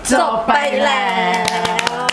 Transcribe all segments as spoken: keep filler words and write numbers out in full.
จบไปแล้ว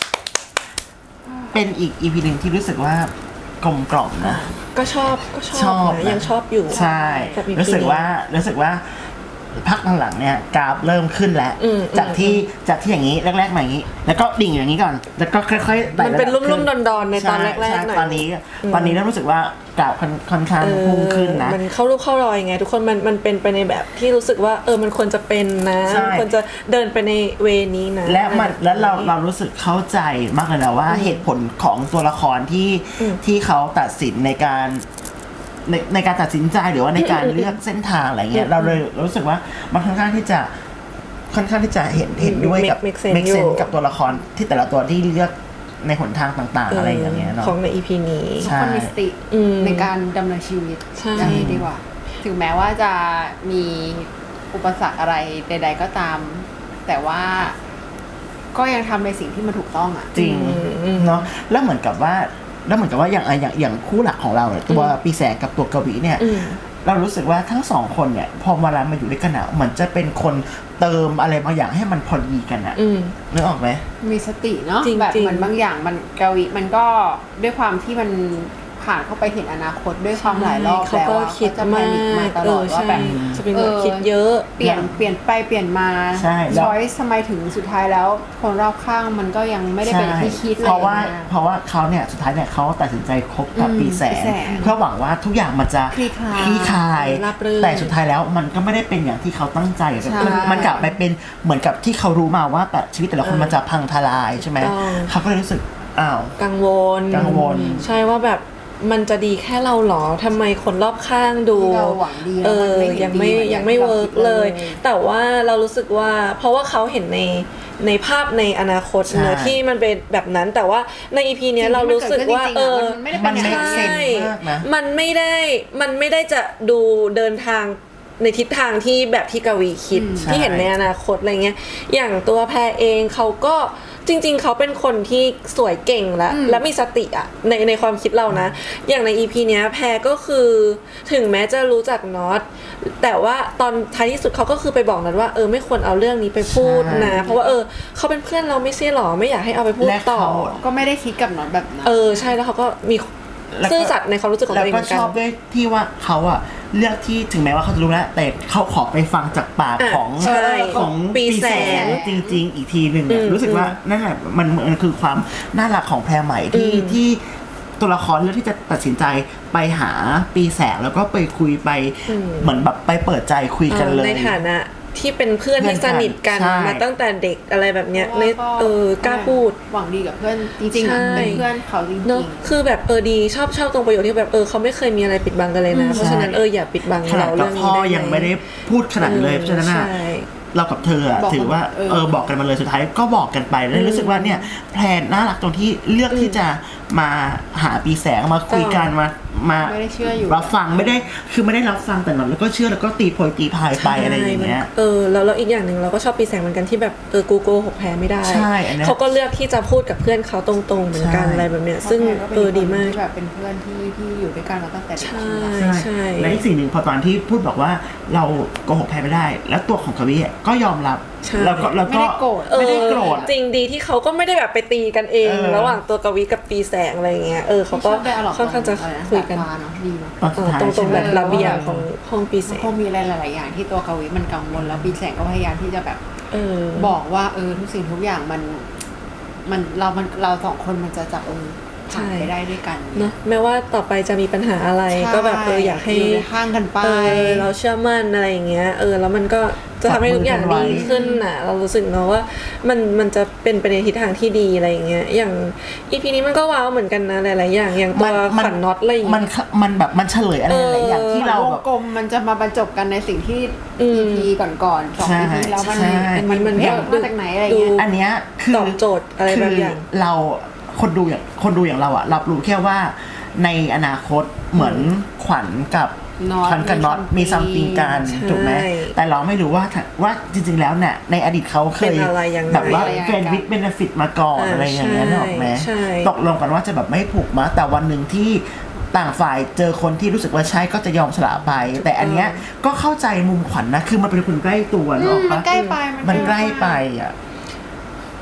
เป็นอีก อี พี นึงที่รู้สึกว่ากลมกล่อมนะก็ชอบก็ชอบนะยังชอบอยู่ใช่รู้สึกว่ารู้สึกว่าพักหลังๆเนี่ยกราฟเริ่มขึ้นแล้วจากที่จากที่อย่างนี้แรกๆมาอย่างนี้แล้วก็ดิ่งอย่างนี้ก่อนแล้วก็ค่อยๆมันเป็นลุ่มๆดอนๆในตอนแรกๆหน่อยตอนนี้ตอนนี้เริ่มรู้สึกว่ากราฟค่อนข้างพุ่งขึ้นนะมันเข้ารูปเข้ารอยไงทุกคนมันมันเป็นไปในแบบที่รู้สึกว่าเออมันควรจะเป็นนะควรจะเดินไปในเวนี้นะและมันแล้วเราเรารู้สึกเข้าใจมากเลยนะว่าเหตุผลของตัวละครที่ที่เขาตัดสินในการในในการตัดสินใจหรือว่าในการเลือกเส้นทางอะไรเงี้ยเราเลยรู้สึกว่ามันค่อนข้างที่จะค่อนข้างที่จะเห็นเห็นด้วยกับ make sense กับตัวละครที่แต่ละตัวที่เลือกในหนทางต่างๆอะไรอย่างเงี้ยเนาะของใน อี พี นี้ทุกคนมีสติในการดำเนินชีวิตอย่างนี้ดีกว่าถึงแม้ว่าจะมีอุปสรรคอะไรใดๆก็ตามแต่ว่าก็ยังทำในสิ่งที่มันถูกต้องอ่ะจริงเนาะแล้วเหมือนกับว่าแล้วเหมือนกับว่าอย่างอย่างอย่างคู่หลักของเราเนี่ยตัวปีแสงกับตัวกวีเนี่ยเรารู้สึกว่าทั้งสองคนเนี่ยพอเวลามาอยู่ด้วยกันอ่ะเหมือนจะเป็นคนเติมอะไรบางอย่างให้มันพอดีกันอ่ะนึกออกไหมมีสติเนาะแบบเหมือนบางอย่างมันกวีมันก็ด้วยความที่มันผ่านเข้าไปเห็นอนาคตด้วยความหลายรอบแล้วเขาก็คิดมากตลอดว่าแบบจะเป็นแบบคิดเยอะเปลี่ยนเปลี่ยนไปเปลี่ยนมาช้อยส์ทำไมถึงสุดท้ายแล้วคนรอบข้างมันก็ยังไม่ได้เป็นที่คิดเลยเพราะว่าเพราะว่าเขาเนี่ยสุดท้ายเนี่ยเขาตัดสินใจคบกับปีแสงเพื่อหวังว่าทุกอย่างมันจะคลี่คลายแต่สุดท้ายแล้วมันก็ไม่ได้เป็นอย่างที่เขาตั้งใจมันกลับไปเป็นเหมือนกับที่เขารู้มาว่าแต่ชีวิตแต่ละคนมันจะพังทลายใช่ไหมเขาก็เลยรู้สึกอ้าวกังวลกังวลใช่ว่าแบบมันจะดีแค่เราหรอทำไมคนรอบข้างดูเออยังไม่ยังไม่เวิร์กเลยแต่ว่าเรารู้สึกว่าเพราะว่าเขาเห็นในในภาพในอนาคตเนอะที่มันเป็นแบบนั้นแต่ว่าใน อี พี เนี้ยเรารู้สึกว่าเออมันไม่ใช่มันไม่ได้มันไม่ได้จะดูเดินทางในทิศทางที่แบบที่กวีคิดที่เห็นในอนาคตอะไรเงี้ยอย่างตัวแพรเองเขาก็จริงๆเขาเป็นคนที่สวยเก่งและและมีสติอะในในความคิดเรานะอย่างใน อี พี เนี้ยแพรก็คือถึงแม้จะรู้จักน็อตแต่ว่าตอนท้ายที่สุดเขาก็คือไปบอกน็อตว่าเออไม่ควรเอาเรื่องนี้ไปพูดนะเพราะว่าเออเขาเป็นเพื่อนเราไม่ใช่หรอไม่อยากให้เอาไปพูดต่อก็ไม่ได้คิดกับน็อตแบบนั้นเออใช่แล้วเขาก็มีซื่อสัตย์ในความรู้สึกของตัวเองเหมือนกันแล้วก็ชอบด้วยที่ว่าเขาอะเลือกที่ถึงแม้ว่าเขาจะรู้แล้วแต่เขาขอไปฟังจากปากของของปีแสงจริงๆอีกทีหนึ่งเนี่ยรู้สึกว่านั่นแหละมันมันคือความน่ารักของแพรใหม่ที่ที่ตัวละครเลือกที่จะตัดสินใจไปหาปีแสงแล้วก็ไปคุยไปเหมือนแบบไปเปิดใจคุยกันเลยในฐานะที่เป็นเพื่อนที่สนิทกันมาตั้งแต่เด็กอะไรแบบเนี้ยในเออกล้าพูดหวังดีกับเพื่อนจริงๆเป็นเพื่อนเขาจริงๆเนาะคือแบบเออดีชอบชอบตรงประโยชน์ที่แบบเออเขาไม่เคยมีอะไรปิดบังกันเลยนะเพราะฉะนั้นเอออย่าปิดบังเราเรื่องนี้ได้พ่อยังไม่ได้พูดขนาดเลยเพราะฉะนั้นเรากับเธอถือว่าเออบอกกันมาเลยสุดท้ายก็บอกกันไปแล้วรู้สึกว่าเนี่ยแพลนน่ารักตรงที่เลือกที่จะมาหาปีแสงมาคุยกันมามารับฟังไม่ได้คือไม่ได้รับฟังแต่หนอนแล้วก็เชื่อแล้วก็ตีโพยตีพายไปอะไรอย่างเงี้ยเออแล้วแล้วอีกอย่างหนึ่งเราก็ชอบปีแสงเหมือนกันที่แบบเออกูโกหกแพ้ไม่ได้เขาก็เลือกที่จะพูดกับเพื่อนเขาตรงๆเหมือนกันอะไรแบบเนี้ยซึ่งเออดีมากแบบเป็นเพื่อนที่ที่อยู่ด้วยกันมาตั้งแต่เด็กใช่ใช่และอีกสิ่งหนึ่งพอตอนที่พูดบอกว่าเราโกหกแพ้ไม่ได้แล้วตัวของกวีก็ยอมรับแล้วก็แล้วก็ไม่ได้โกรธจริงดีที่เขาก็ไม่ได้แบบไปตีกันเองระหว่างตัวกวีกับปีแสงอะไรเงี้ยเออเขาก็ค่อนข้างจะคุยกันดีเนาะตรงตรงแบบระเบียงของห้องปีแสงก็มีอะไรหลายๆอย่างที่ตัวกวีมันกังวลแล้วปีแสงก็พยายามที่จะแบบบอกว่าเออทุกสิ่งทุกอย่างมันมันเรามันเราสองคนมันจะจับเออผ่านไปได้ด้วยกันเนาะแม้ว่าต่อไปจะมีปัญหาอะไรก็แบบเอออยากให้ห่างกันไปเราเชื่อมั่นอะไรอย่างเงี้ยเออแล้วมันก็จะทำให้ทุกอย่างดีขึ้นน่ะเรารู้สึกเนาะว่ามันมันจะเป็นไปในทิศทางที่ดีอะไรอย่างเงี้ยอย่าง อี พี นี้มันก็ว้าวเหมือนกันนะหลายๆอย่างอย่างตัวขวัญน็อตอะไรอย่างเงี้ยมันมันแบบมันเฉลยอะไรหลายอย่างที่เราแบบกลมมันจะมาบรรจบกันในสิ่งที่ อี พี ก่อนๆสอง อี พี แล้วมันมันมันมาจากไหนอะไรเงี้ยอันเนี้ยคือตอบโจทย์อะไรบางอย่างเราคนดูอย่างคนดูอย่างเราอะรับรู้แค่ว่าในอนาคตเหมือนขวัญกับขวัญกับน็อตมีซัมติงกันถูกไหมแต่เราไม่รู้ว่าว่าจริงๆแล้วเนี่ยในอดีตเขาเคยแบบว่าเฟรนด์วิดเบนฟิตมาก่อนอะไรอย่างเงี้ยหรอกไหมตกลงกันว่าจะแบบไม่ผูกมาแต่วันหนึ่งที่ต่างฝ่ายเจอคนที่รู้สึกว่าใช่ก็จะยอมสละไปแต่อันเนี้ยก็เข้าใจมุมขวัญนะคือมันเป็นคนใกล้ตัวหรอกมันใกล้ไปมันใกล้ไปอ่ะ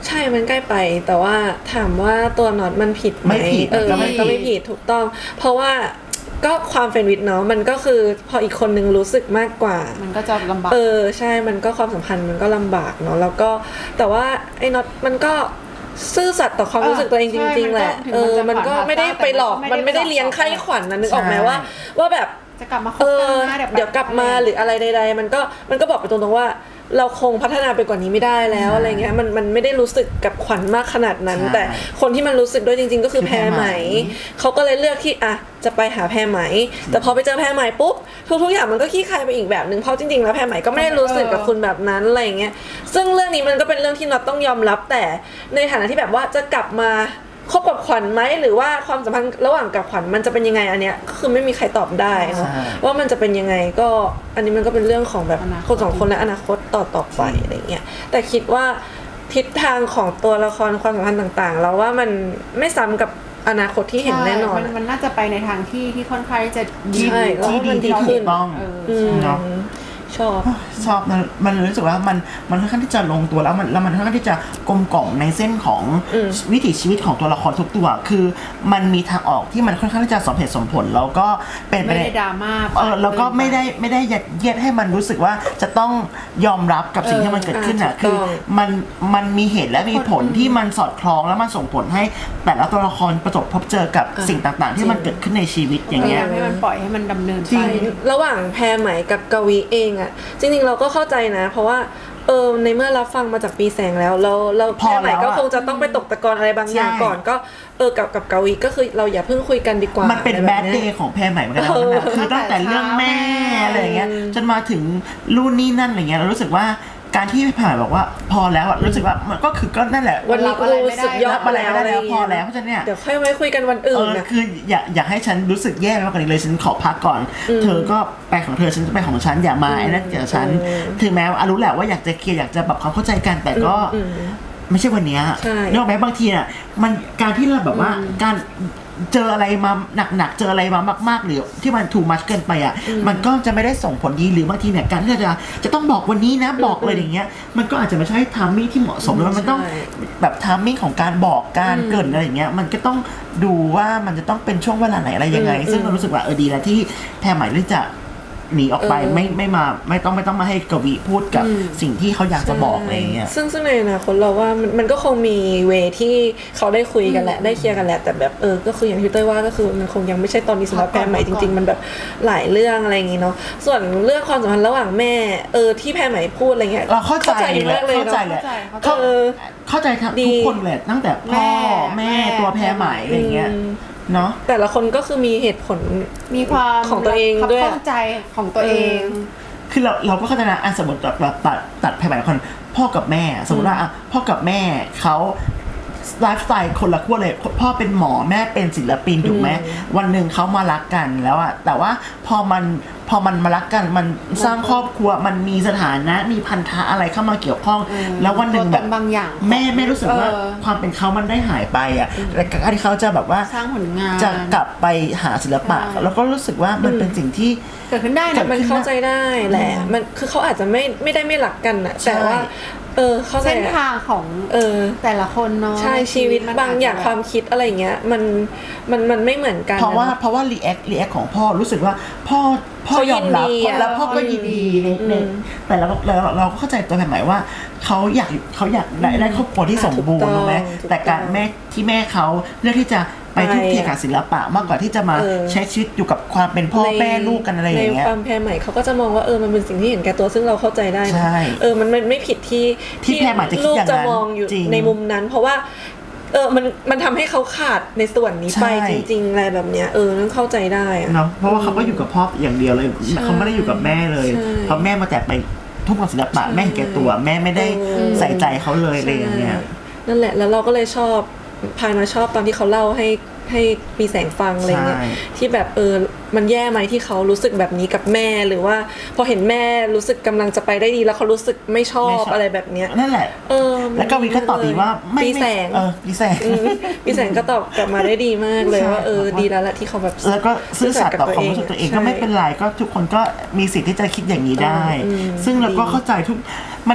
ใช่มันใกล้ไปแต่ว่าถามว่าตัวน็อตมันผิดไหมไม่ผิดเออก็ไม่มันก็ไม่ผิดถูกต้อง เพราะว่าก็ความเฟรนด์วิดเนาะมันก็คือพออีกคนนึงรู้สึกมากกว่ามันก็จะลำบากเออใช่มันก็ความสัมพันธ์มันก็ลำบากเนาะแล้วก็แต่ว่าไอ้น็อตมันก็ซื่อสัตย์ต่อความรู้สึกตัวเองจริงๆแหละเออมันก็ไม่ได้ไปหลอกมันไม่ได้เลี้ยงไข้ขวัญนะนึกออกไหมว่าว่าแบบจะกลับมาคบเอกัอนนะเดี๋ยวกลับมาหรืออะไรใดๆมันก็มันก็บอกไปตรงๆว่าเราคงพัฒนาไปกว่านี้ไม่ได้แล้วอะไรเงี้ยมันมันไม่ได้รู้สึกกับขวัญมากขนาดนั้นแต่คนที่มันรู้สึกด้วยจริงๆก็คือแพรไหมเขาก็เลยเลือกที่อ่ะจะไปหาแพรไหมแต่พอไปเจอแพรไหมปุ๊บทุกๆอย่างมันก็ขี้คายไปอีกแบบนึงเพราะจริงๆแล้วแพรไหมก็ไม่ได้รู้สึกกับคุณแบบนั้นอะไรเงี้ยซึ่งเรื่องนี้มันก็เป็นเรื่องที่น็อตต้องยอมรับแต่ในฐานะที่แบบว่าจะกลับมาคบกับขวัญไหมหรือว่าความสัมพันธ์ระหว่างกับขวัญมันจะเป็นยังไงอันเนี้ยคือไม่มีใครตอบได้เนาะว่ามันจะเป็นยังไงก็อันนี้มันก็เป็นเรื่องของแบบคนสองคนและอนาคตต่อต่อไปอะไรเงี้ยแต่คิดว่าทิศทางของตัวละครความสัมพันธ์ต่างๆเราว่ามันไม่ซ้ำกับอนาคตที่เห็นแน่นอนมันน่าจะไปในทางที่ที่ค่อนข้างจะดีที่ดีที่ถูกต้องเนาะชอบชอบมันมันรู้สึกว่ามันมันค่อนข้างที่จะลงตัวแล้วมันแล้วมันค่อนข้างที่จะกลมกล่อมในเส้นของวิถีชีวิตของตัวละครทุกตัวคือมันมีทางออกที่มันค่อนข้างที่จะสมเหตุสมผลแล้วก็เป็นไม่ได้ดราม่าเออแล้วก็ไม่ได้ไม่ได้ยัดเยียดให้มันรู้สึกว่าจะต้องยอมรับกับสิ่งที่มันเกิดขึ้นอ่ะคือมันมันมีเหตุและมีผลที่มันสอดคล้องแล้วมันส่งผลให้แต่ละตัวละครประสบพบเจอกับสิ่งต่างๆที่มันเกิดขึ้นในชีวิตอย่างเงี้ยให้มันปล่อยให้มันดำเนินไประหว่างแพรไหมกับกวีเองอ่ะจริงๆเราก็เข้าใจนะเพราะว่าเออในเมื่อรับฟังมาจากปีแสงแล้วเราเราแพรไหมก็คงจะต้องไปตกตะกอนอะไรบางอย่างก่อนก็เออกับกับกวีก็คือเราอย่าเพิ่งคุยกันดีกว่ามันเป็นแบดเดย์ของแพรไหมเหมือนกันนะคือตั้งแต่เรื่องแม่อะไรอย่างเงี้ยจนมาถึงรุ่นนี้นั่นอะไรเงี้ยเรารู้สึกว่าการที่ผ่านบอกว่าพอแล้วรู้สึกว่ามันก็คือก็นั่นแหละวันนี้กูสุดยอดอะไรไม่ได้แล้วพอแล้วเพราะฉะนั้นเนี่ยเดี๋ยวค่อยไว้คุยกันวันอื่นนะคืออย่าอย่าให้ฉันรู้สึกแย่มากกว่านี้เลยฉันขอพักก่อนเธอก็ไปของเธอฉันจะไปของฉันอย่ามาไอ้นั่นเกี่ยวกับฉันถึงแม้ว่ารู้แหละว่าอยากจะเคลียร์อยากจะแบบความเข้าใจกันแต่ก็ไม่ใช่วันนี้นอกแม้บางทีน่ะมันการที่เราแบบว่าการเจออะไรมาหนักๆเจออะไรมามากๆหรือที่มันถูกมัดเกินไปอ่ะมันก็จะไม่ได้ส่งผลดีหรือบางทีเนี่ยการที่เราจะจะต้องบอกวันนี้นะบอกเลยอย่างเงี้ยมันก็อาจจะไม่ใช่ไทมิ่งที่เหมาะสมแล้วมันต้องแบบไทมิ่งของการบอกการเกินอะไรอย่างเงี้ยมันก็ต้องดูว่ามันจะต้องเป็นช่วงเวลาไหนอะไรยังไงซึ่งเรารู้สึกว่าเออดีแล้วที่แพรไหมเลือกจะหนีออกไปไม่ไม่มาไม่ต้องไม่ต้องมาให้กวีพูดกับสิ่งที่เขาอยากจะบอกอะไรเงี้ยซึ่งซึ่งในอนาคตเราว่ามันมันก็คงมีเวที่เขาได้คุยกันแหละได้เคลียร์กันแหละแต่แบบเออก็คืออย่างที่เต้ยว่าก็คือมันคงยังไม่ใช่ตอนนี้สำหรับแพรไหมจริงๆมันแบบหลายเรื่องอะไรอย่างงี้เนาะส่วนเรื่องความสัมพันธ์ระหว่างแม่เออที่แพรไหมพูดอะไรเงี้ยเราเข้าใจมากเลยเข้าใจเลยเข้าใจทุกคนเลยตั้งแต่พ่อแม่ตัวแพรไหมอะไรเงี้ยเนาะแต่ละคนก็คือมีเหตุผลมีความของตัวเองด้วยเข้าใจของตัวเองคือเราเราก็เข้าใจนะอันสมมติแบบตัดตัดแพรไหมคนพ่อกับแม่สมมติว่าพ่อกับแม่เขาไลฟ์สไตล์คนละขั้วเลยพ่อเป็นหมอแม่เป็นศิลปินถูกไหมวันหนึ่งเขามารักกันแล้วอะแต่ว่าพอมันพอมันมารักกันมันสร้างครอบครัวมันมีสถานะมีพันธะอะไรเข้ามาเกี่ยวข้องแล้ววันหนึ่งแบบบางอย่างแม่แม่รู้สึกว่าความเป็นเขามันได้หายไปอะและการที่เขาจะแบบว่าสร้างผลงานจะกลับไปหาศิลปะแล้วก็รู้สึกว่ามันเป็นสิ่งที่เกิดขึ้นได้นะมันเข้าใจได้แหละมันคือเขาอาจจะไม่ไม่ได้ไม่รักกันอะแต่ว่าเออเข้าใจเส้นทางของเออแต่ละคนเนาะใช่ชีวิตบางอย่างความคิดอะไรเงี้ยมันมันมันไม่เหมือนกันเพราะว่าเพราะว่ารีแอครีแอคของพ่อรู้สึกว่าพ่อพ่อยอมรับแล้วพ่อก็ยินดีนึงแต่เราเราเราก็เข้าใจตัวแพรไหมว่าเขาอยากเขาอยากได้ได้ครอบครัวที่สมบูรณ์ถูกไหมแต่การแม่ที่แม่เขาเลือกที่จะไปทุ่มเทกับศิลปะมากกว่าที่จะมาใช้ชีวิตอยู่กับความเป็นพ่อแม่ลูกกันอะไรอย่างเงี้ยในความแพรไหมเขาก็จะมองว่าเออมันเป็นสิ่งที่เห็นแก่ตัวซึ่งเราเข้าใจได้เออมันไม่ผิดที่ที่แพรไหมจะคิดอย่างนั้นลูกจะมองอยู่ในมุมนั้นเพราะว่าเออมันมันทำให้เขาขาดในส่วนนี้ไปจริงๆอะไรแบบเนี้ยเออนั่นเข้าใจได้เนาะเพราะว่าเขาก็อยู่กับพ่ออย่างเดียวเลยเขาไม่ได้อยู่กับแม่เลยเพราะแม่มาแต่ไปทุ่มกับศิลปะแม่เห็นแก่ตัวแม่ไม่ได้ใส่ใจเขาเลยอะไรอย่างเงี้ยนั่นแหละแล้วเราก็เลยชอบพายมาชอบตอนที่เขาเล่าให้ให้ปีแสงฟังอะไรเงี้ยที่แบบเออมันแย่ไหมที่เขารู้สึกแบบนี้กับแม่หรือว่าพอเห็นแม่รู้สึกกำลังจะไปได้ดีแล้วเขารู้สึกไม่ชอบอะไรแบบเนี้ยนั่นแหละเออแล้วก็วิก็ตอบดีว่าไม่ปีแสงเออปีแสงปีแสงก็ตอบกลับมาได้ดีมากเลยว่าเออดีแล้วแหละที่เขาแบบแล้วก็ซื่อสัตย์ต่อความรู้สึกตัวเองก็ไม่เป็นไรก็ทุกคนก็มีสิทธิ์ที่จะคิดอย่างนี้ได้ซึ่งเราก็เข้าใจทุกมัน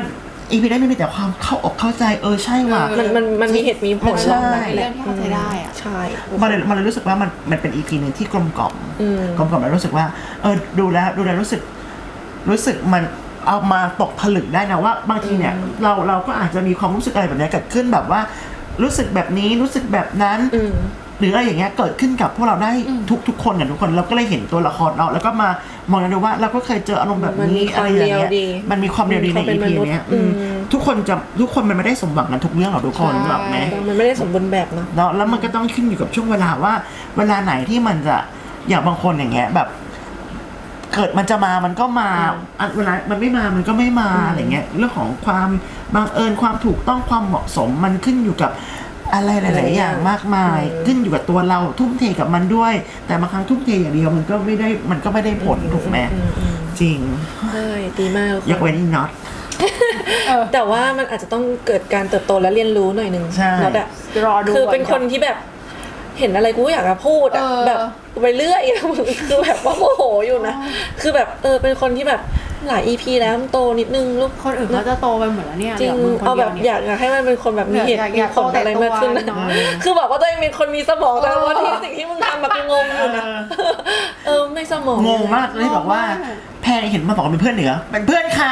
อีพีได้ไม่มีแต่ความเข้าอกเข้าใจเออใช่ว่ะมันมันมันมีเหตุมีผลใช่เป็นเรื่องที่เข้าใจได้อะใช่มันเลยมันเลยรู้สึกว่ามันมันเป็นอีพีหนึ่งที่กลมกล่อมอืมกลมกล่อมแล้วรู้สึกว่าเออดูแล้วดูแล้วรู้สึกรู้สึกมันเอามาตกผลึกได้นะว่าบางทีเนี่ยเราเราก็อาจจะมีความรู้สึกอะไรแบบนี้เกิดขึ้นแบบว่ารู้สึกแบบนี้รู้สึกแบบนั้นอืมหรืออะไรอย่างเงี้ยเกิดขึ้นกับพวกเราได้ทุกทุกคนกับทุกคนเราก็เลยเห็นตัวละครเนาะแล้วก็มามองกันดูว่าเราก็เคยเจออารมณ์แบบมันมีนี้คอะไรวามอย่างเงี้ยเรียวดีมันมีความเรียวดีในความเป็อีนพีมนุษย์เนี้ยอืมทุกคนจะทุกคนมันไม่ได้สมหวังกันทุกเรื่องหรอกทุกคนใช่แบบไหมมันไม่ได้สมบูรณ์แบบเนาะเนาะแล้วมันก็ต้องขึ้นอยู่กับช่วงเวลาว่า เวลาไหนที่มันจะอย่างบางคนอย่างเงี้ยแบบ เกิดมันจะมามันก็มาอ่ะเวลามันไม่มามันก็ไม่มาอะไรเงี้ยเรื่องของความบังเอิญความถูกต้องความเหมาะสมมันขึ้นอยู่กับอะไรหลาย ๆ อย่างมากมาย ขึ้นอยู่กับตัวเราทุ่มเทกับมันด้วย แต่บางครั้งทุ่มเทอย่างเดียวมันก็ไม่ได้มันก็ไม่ได้ผลถูกไหมจริงใช่ดีมากยกเว้นน็อตแต่ว่ามันอาจจะต้องเกิดการเติบโตและเรียนรู้หน่อยหนึงใช่น็อตอะรอดูคือเป็นก่อนคนที่แบบเห็นอะไรกูก็อยากจะพูดอะเออแบบไปเรื่อยอะ มึงคือแบบว่าโมโหอยู่นะคือแบบเออเป็นคนที่แบบหลาย อี พี แล้วมันโตนิดนึงลูกคนอื่นเขาจะโตไปหมดแล้วเนี่ยจริงหลืมึคนเอาดีแบยวบนี่อยากอยากให้มันเป็นคนแบบมีเหตุอยากมีอยากผลอะไรมากขึ้นโตแต่ตัวน้อยคือบอกว่าตัวเองเป็นคนมีสมองแต่ว่าที่สิ่งที่มึงทำแบบงงอยู่นะเออไม่สมองงงมากเลยบอกว่า แพงเห็นมาบอกว่าเป็นเพื่อนเหนือเป็นเพื่อนค่ะ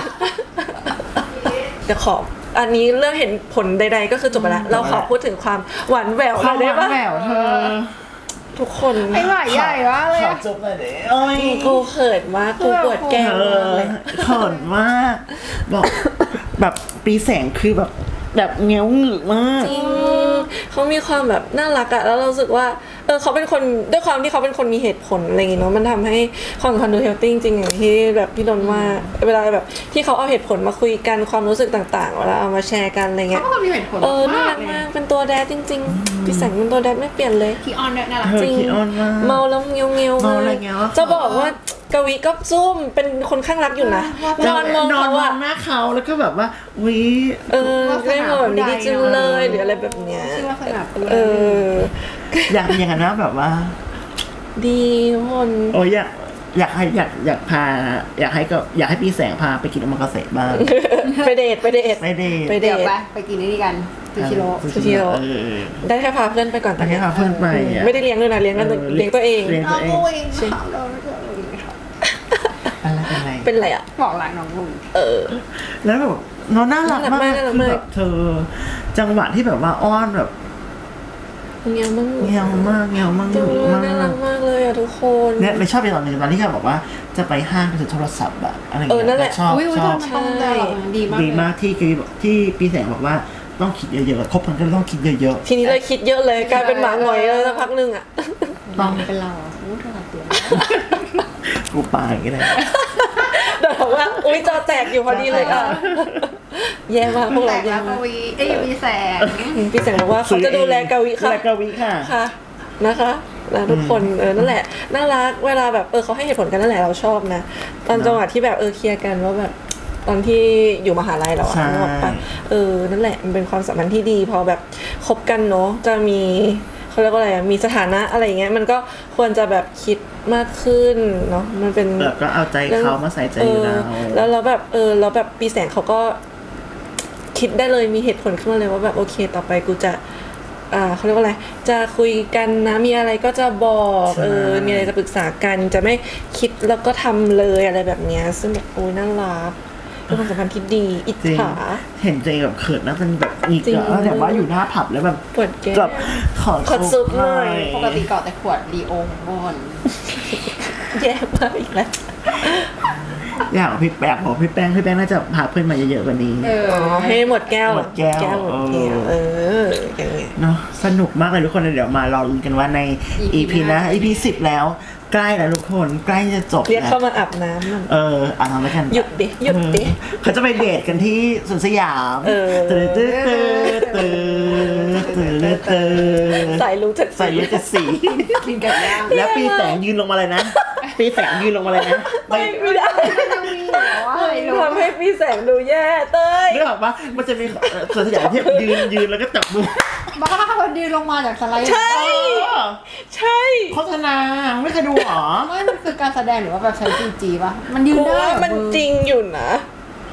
จะขออันนี้เรื่องเห็นผลใด ๆ ก็คือจบไปแล้วเราขอพูดถึงความหวานแหววความหน่อยหได้วานปะแหววเธอทุกคนไอ้หวายใหญ่วะเลยขออะจบเลยเดี๋ยวโอ้ยกูเขินมากกูปวดแก้มเอมากอเลยเขินมากบอกแบบปีแสงคือแบบแบบเงี้ยวหงึกมากจริงเขามีความแบบน่ารักอะแล้วเรารู้สึกว่าเออเขาเป็นคนด้วยความที่เขาเป็นคนมีเหตุผลอะไรอย่างเงี้ยเนาะมันทำให้ความสัมพันธ์ดูเฮลตี้จริงๆอย่างที่แบบพี่นนท์ว่าเวลาแบบที่เขาเอาเหตุผลมาคุยกันความรู้สึกต่างๆเวลาเอามาแชร์กันอะไรเงี้ยเขาก็มีเหตุผลเออน่ารัมากกเลยมากเป็นตัวแดดจริงๆพี่แสงเป็นตัวแดดไม่เปลี่ยนเลยคีออนด้วยน่ารักเธอจริงขี้อ้อนมากเมาแล้วเงี้ยวเงี้ยวเมาแล้วเงี้ยวจะบอกว่ากวีก็ซุ่มเป็นคนข้างรักอยู่นะนอนมองนอนเขามออะงหน้าเขาแล้วก็แบบว่าวิเออได้มาแบบนี้ดีจังเลยหรืออะไรแบบเนี้ยชื่อว่าสนับสนุนเอออยากเป็นอย่างนั้นนะแบบว่าดีทุกคนโอ้ยอยากอยากให้อยากอยากพา อยากให้ก็อยากให้ปีแสงพาไปกินอมากาเสะบ้างไปเดทไปเดทไม่ได้ไปเดเดี๋ยวทไปไปกินนี่กันซูชิโร่ซูชิโร่เออได้แค่พาเพื่อนไปก่อนแต่แค่พาเพื่อนไปอะไม่ได้เลี้ยงด้วยนะเลี้ยงกันเออเลี้ยงตัวเองเลี้ยงน้องลุยถามเราไม่ใช่ลุยค่ะอะไรเป็นไรเป็นไรอ่ะบอกหลังน้องลุยเออแล้วแบบน้องน่ารักมากน่ารักคือมากแบบเธอ จังหวะที่แบบว่าอ้อนแบบเงี้ยมึงเงียวมากเงียวมากจังหนุกเลยมาน่ารักกมากเลยอ่ะทุกคนเนี่ยเลยชอบในตอนหนึงตอนที่เขาบอกว่าจะไปห้างไปถือโทรศัพท์อะอะไรอย่างเอเงี้อย นั่นแหละชอบอุ้ยอุ้ยชอบมันต้องได้หรอกนะดีมากดีมากที่คือที่ปีแสงบอกว่าต้องคิดเยอะๆคบกันก็ต้องคิดเยอะทีนี้เลยคิดเยอะเลยกลายเป็นหมาหงอยเลยสักพักหนึงอ่ะๆต้องเป็นเราอ่ะอู้เท่ากับตัวกูปาอย่างนี้เลยเดี๋ยวบอกว่าอุ้ยจอแตกอยู่พอดีเลยอ่ะแย่มากพวกแตเรากแย่แล้วกมากวีเอ้ยมีแสงพี่แสงบอกว่าเขาจะดูแลกาวิค่ะดูแลกาวิค่ะค่ะนะคะนะทุกคนเออนั่นแหละน่ารักเวลาแบบเออเขาให้เหตุผลกันนั่นแหละเราชอบนะตอนจังหวะที่แบบเออเคลียร์กันว่าแบบตอนที่อยู่มหาลัยเราอะใช่นึกออกปะเออนั่นแหละมันเป็นความสัมพันธ์ที่ดีพอแบบคบกันเนาะจะมีเขาเรียกว่าอะไรอะมีสถานะอะไรอย่างเงี้ยมันก็ควรจะแบบคิดมากขึ้นเนาะมันเป็นแล้วก็เอาใจเขามาใส่ใจเราเออแล้วเราแบบเออแล้วแบบปีแสงเขาก็คิดได้เลยมีเหตุผลขึ้นมาเลยว่าแบบโอเคต่อไปกูจะอ่าเขาเรียกว่าอะไรจะคุยกันนะมีอะไรก็จะบอกใช่เออมีอะไรจะปรึกษากันจะไม่คิดแล้วก็ทำเลยอะไรแบบเนี้ยซึ่งแบบโอ้ยน่ารักเป็นความสัมพันธ์ที่ดีอิจจริงฉาเห็นใจแบบเขินนะมันแบบอีกจริงอะแล้วแบบว่าอยู่หน้าผับแล้วแบบปวดแก้มแบบขอขอซุปหน่อยปกติเกาะแต่ขวดดีโอมอนแย่มากอีกแล้วอยากบอกพี่แป้งบอกพี่แป้งพี่แป้งน่าจะพาเพื่อนมาเยอะๆกว่านี้เอออ๋อให้หมดแก้วหมดแก้วหมดแก้วเอออย่างเงี้ยเนาะสนุกมากเลยทุกคนเดี๋ยวมารอลุ้นกันว่าในอีอีพีพีหน้านะ อีพีสิบแล้วใกล้แล้วทุกคนใกล้จะจบเรียกแล้วเข้ามาอาบน้ำหน่อยเอออ่านแล้วกันหยุดดิหยุดดิเออเขาจะไปเดทกันที่สวนสยามเออตื่นตื่นตื่นตื่นตื่นตื่นใส่รู้จักใส่เลือดจะสีกินไก่ย่างแล้วปีแสงยืนลงมาเลยนะ ปีแสงยืนลงมาเลยนะไม่ไม่ได้ยังมีเหรอวะไม่รู้ทำให้พี่แสงดูแย่เต้ยนึกออกปะมันจะมีเอ่อสวนสยามที่ยืนยืนแล้วก็จับมือบ้ามันดีลงมาจากสไลด์ใช่เออใช่โฆษณาไม่เคยดูหรอไม่มันคือการแสดงหรือว่าแบบใช้ซีจีป่ะมันยืนกูได้ว่าเหรอมันจริงอยู่นะ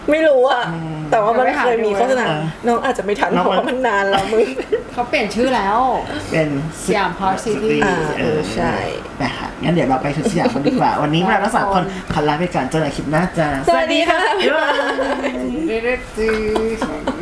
ไม่รู้อะแต่ว่ามันเคยมีโฆษณาเออน้องอาจจะไม่ทันน้องเพราะว่ามันนานแล้วมึงเขาเปลี่ยนชื่อแล้วเป็นสยาม Park City อ่าเออใช่นะคะงั้นเดี๋ยวเราไปถึงสยามกันดีกว่า วันนี้เราทั้งสามคนขอลาไปก่อนเจอกันคลิปหน้าจ้าสวัสดีค่ะบ๊ายบายเรื่อยๆ